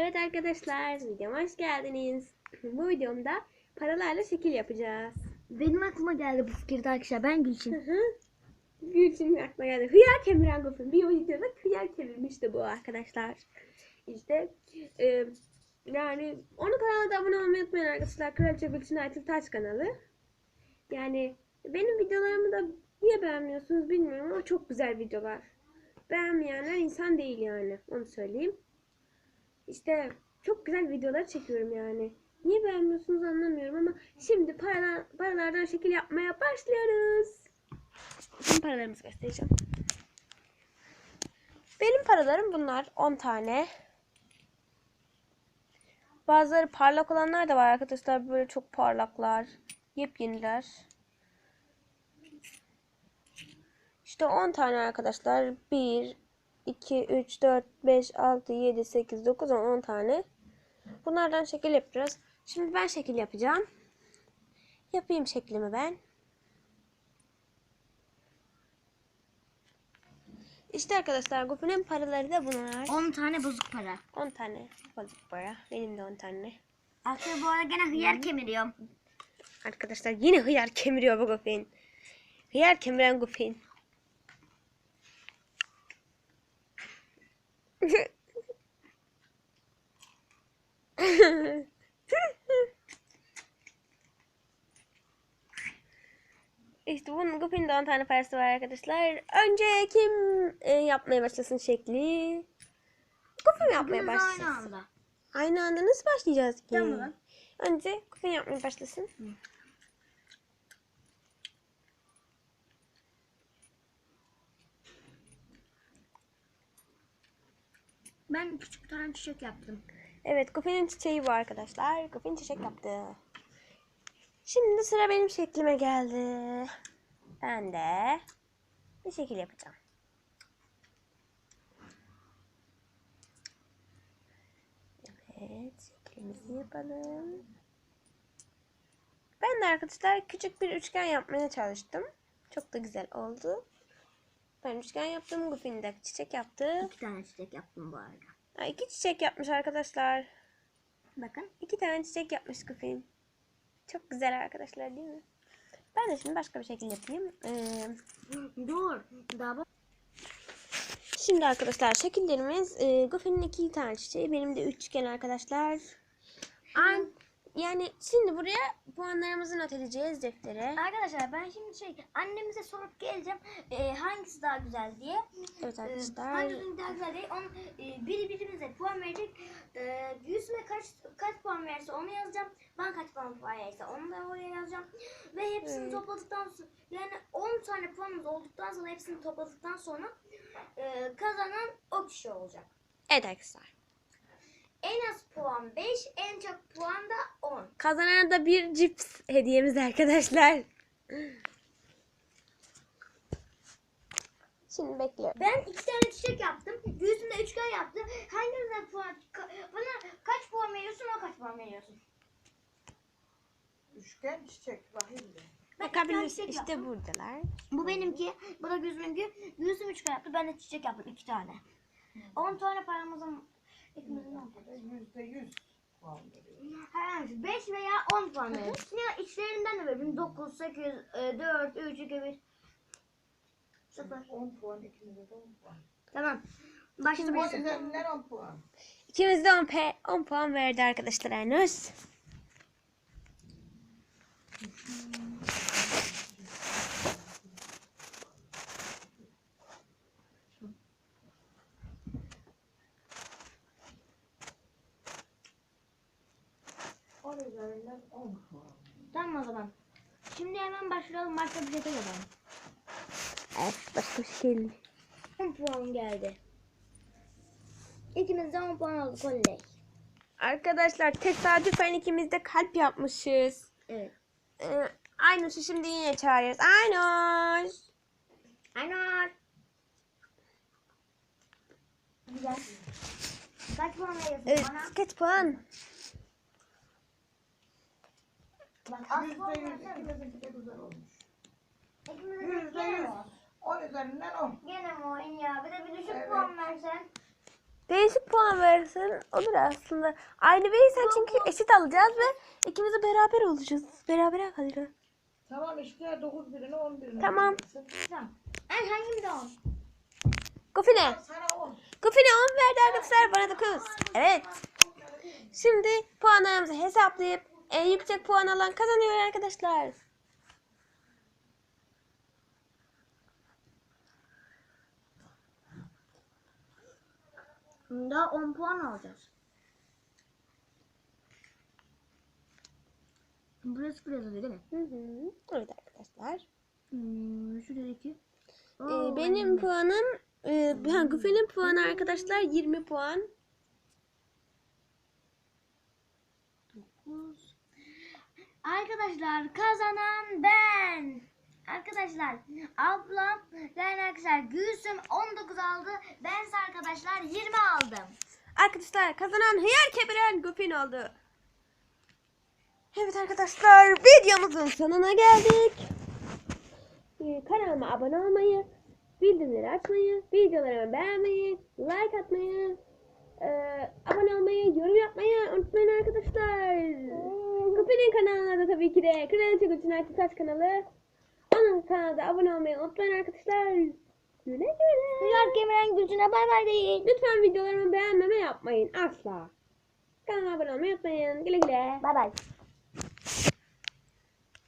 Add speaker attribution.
Speaker 1: Evet arkadaşlar, videoma hoş geldiniz. Bu videomda paralarla şekil yapacağız.
Speaker 2: Benim aklıma geldi bu fikirde arkadaşlar. Ben Gülçin.
Speaker 1: Gülçin'in aklına geldi. Hıyar kemiren Gofin. Bir videoda hıyar kemirmişti bu arkadaşlar. İşte yani onun kanalına da abone olmayı unutmayın arkadaşlar. Kraliçe Gülçin Aytıl Taş kanalı. Yani benim videolarımı da niye beğenmiyorsunuz bilmiyorum ama çok güzel videolar. Beğenmeyenler insan değil yani. Onu söyleyeyim. İşte çok güzel videolar çekiyorum yani. Niye beğenmiyorsunuz anlamıyorum ama şimdi paralardan şekil yapmaya başlıyoruz. Şimdi paralarımızı göstereceğim. Benim paralarım bunlar. 10 tane. Bazıları parlak olanlar da var arkadaşlar. Böyle çok parlaklar. Yepyeniler. İşte 10 tane arkadaşlar. 1, 2, 3, 4, 5, 6, 7, 8, 9, 10 tane. Bunlardan şekil yapacağız. Şimdi ben şekil yapacağım. Yapayım şeklimi ben. İşte arkadaşlar Gofi'nin paraları da bunlar.
Speaker 2: 10 tane bozuk para.
Speaker 1: 10 tane bozuk para. Benim de 10 tane.
Speaker 2: Arkadaşlar bu arada gene hıyar kemiriyorum.
Speaker 1: Arkadaşlar yine hıyar kemiriyor bu Gofin. Hıyar kemiren Gofin. İşte bunun Gofin'in de 10 tane parası var arkadaşlar. Önce kim yapmaya başlasın şekli? Gofin yapmaya başlasın.
Speaker 2: Aynı anda.
Speaker 1: Aynı anda nasıl başlayacağız ki?
Speaker 2: Tamam.
Speaker 1: Önce Gofin yapmaya başlasın.
Speaker 2: Ben küçük bir tane çiçek yaptım.
Speaker 1: Evet, Gofin'in çiçeği bu arkadaşlar. Gofin çiçek yaptı. Şimdi sıra benim şeklime geldi. Ben de bir şekil yapacağım. Evet, şeklimizi yapalım. Ben de arkadaşlar küçük bir üçgen yapmaya çalıştım. Çok da güzel oldu. Ben üçgen yaptım. Gofin de çiçek yaptı.
Speaker 2: 2 tane çiçek yaptım bu arada.
Speaker 1: Ha, 2 çiçek yapmış arkadaşlar.
Speaker 2: Bakın.
Speaker 1: 2 tane çiçek yapmış Gofin. Çok güzel arkadaşlar değil mi? Ben de şimdi başka bir şekil yapayım.
Speaker 2: Dur. Daha bak.
Speaker 1: Şimdi arkadaşlar şekillerimiz Gofin'in 2 tane çiçeği. Benim de üçgen arkadaşlar. Yani şimdi buraya puanlarımızı not edeceğiz deftere.
Speaker 2: Arkadaşlar ben şimdi annemize sorup geleceğim hangisi daha güzel diye.
Speaker 1: Evet arkadaşlar.
Speaker 2: Hangisi daha güzel diye. Biri birimize puan verecek. Yüzüme kaç puan verirse onu yazacağım. Ben kaç puan verirse onu da oraya yazacağım. Ve hepsini topladıktan sonra yani 10 tane puanımız olduktan sonra hepsini topladıktan sonra kazanan o kişi olacak.
Speaker 1: Evet arkadaşlar.
Speaker 2: En az puan 5, en çok puan da 10.
Speaker 1: Kazanana da bir cips hediyemiz arkadaşlar. Şimdi bekliyorum.
Speaker 2: Ben 2 tane çiçek yaptım. Yüzünde üçgen yaptım. Hanginize bana kaç puan veriyorsun, o kaç puan veriyorsun?
Speaker 3: Üçgen çiçek bakayım da.
Speaker 1: Bakabilirsin işte buradalar.
Speaker 2: Bu benimki, bu da gözümünki. Yüzüm üçgen yaptı, ben de çiçek yaptım 2 tane. 10 tane paramızın ikimizin
Speaker 3: %100 puan veriyor.
Speaker 2: herhangi 5 veya 10 puan veriyorsun. Ya içlerinden de verin. 9, 8, 4, 3, 2, 1. 0.
Speaker 3: 10 puan, ikimize de 10 puan.
Speaker 2: Tamam.
Speaker 3: 10
Speaker 2: Başlayabilirsin.
Speaker 3: üzerinden 10 puan.
Speaker 1: İkimiz de 10 puan verdi arkadaşlar henüz.
Speaker 3: On üzerinden 10 puan.
Speaker 2: Tamam o zaman. Şimdi hemen başlayalım. Başka bir şey yapalım.
Speaker 1: Evet başka bir şey.
Speaker 2: 10 puan geldi. İkimiz de 10 puan aldık oley.
Speaker 1: Arkadaşlar tesadüfen ikimiz de kalp yapmışız.
Speaker 2: Evet.
Speaker 1: Aynur'u şimdi yine çağırıyoruz. Aynur.
Speaker 2: Aynur. Güzel. Kaç puan veriyorsun
Speaker 1: Evet
Speaker 2: bana?
Speaker 1: kaç puan?
Speaker 2: Bak az puan
Speaker 3: %100
Speaker 2: versene.
Speaker 3: ikimizinki de güzel olmuş.
Speaker 2: İkimiz de
Speaker 3: %100
Speaker 2: gene mi?
Speaker 3: 10 üzerinden 10.
Speaker 2: Gene mi oyun ya? Bir de bir düşük
Speaker 3: Evet.
Speaker 2: puan versen.
Speaker 1: Değişik puan verirsen olur aslında. Aynı verirsen çünkü eşit alacağız ve ikimiz de beraber olacağız. Beraber kalacağız.
Speaker 3: Tamam işte 9 birini 10 birini.
Speaker 1: Tamam.
Speaker 3: verirsin.
Speaker 2: Tamam. En hangimiz de 10?
Speaker 1: Gofine.
Speaker 3: Sana 10.
Speaker 1: Gofine 10 verdi arkadaşlar, bana 9. Evet. Şimdi puanlarımızı hesaplayıp en yüksek puan alan kazanıyor arkadaşlar.
Speaker 2: Daha 10 puan alacağız. Burası biraz değil mi?
Speaker 1: Hı hı. Evet arkadaşlar.
Speaker 2: Şurada 2.
Speaker 1: Benim puanım, Gofinin puanı arkadaşlar 20 puan.
Speaker 2: 9. Arkadaşlar kazanan ben. Arkadaşlar ablam yani arkadaşlar Gülsüm 19 aldı. Bense arkadaşlar 20 aldım.
Speaker 1: Arkadaşlar kazanan hıyar kemiren Gofin oldu. Evet arkadaşlar, videomuzun sonuna geldik. Kanalıma abone olmayı, bildirimleri açmayı, videolarımı beğenmeyi, like atmayı, abone olmayı, yorum yapmayı unutmayın arkadaşlar. Gofin'in kanalına da tabii ki de Kraliçe Gülçin Erkutaş kanalı. Onun kanalına abone olmayı unutmayın arkadaşlar. Güle güle.
Speaker 2: Hıyar kemiren Gülsün'e bay bay deyin.
Speaker 1: Lütfen videolarımı beğenmeme yapmayın asla. Kanalıma abone olmayı unutmayın. Güle güle.
Speaker 2: Bay bay.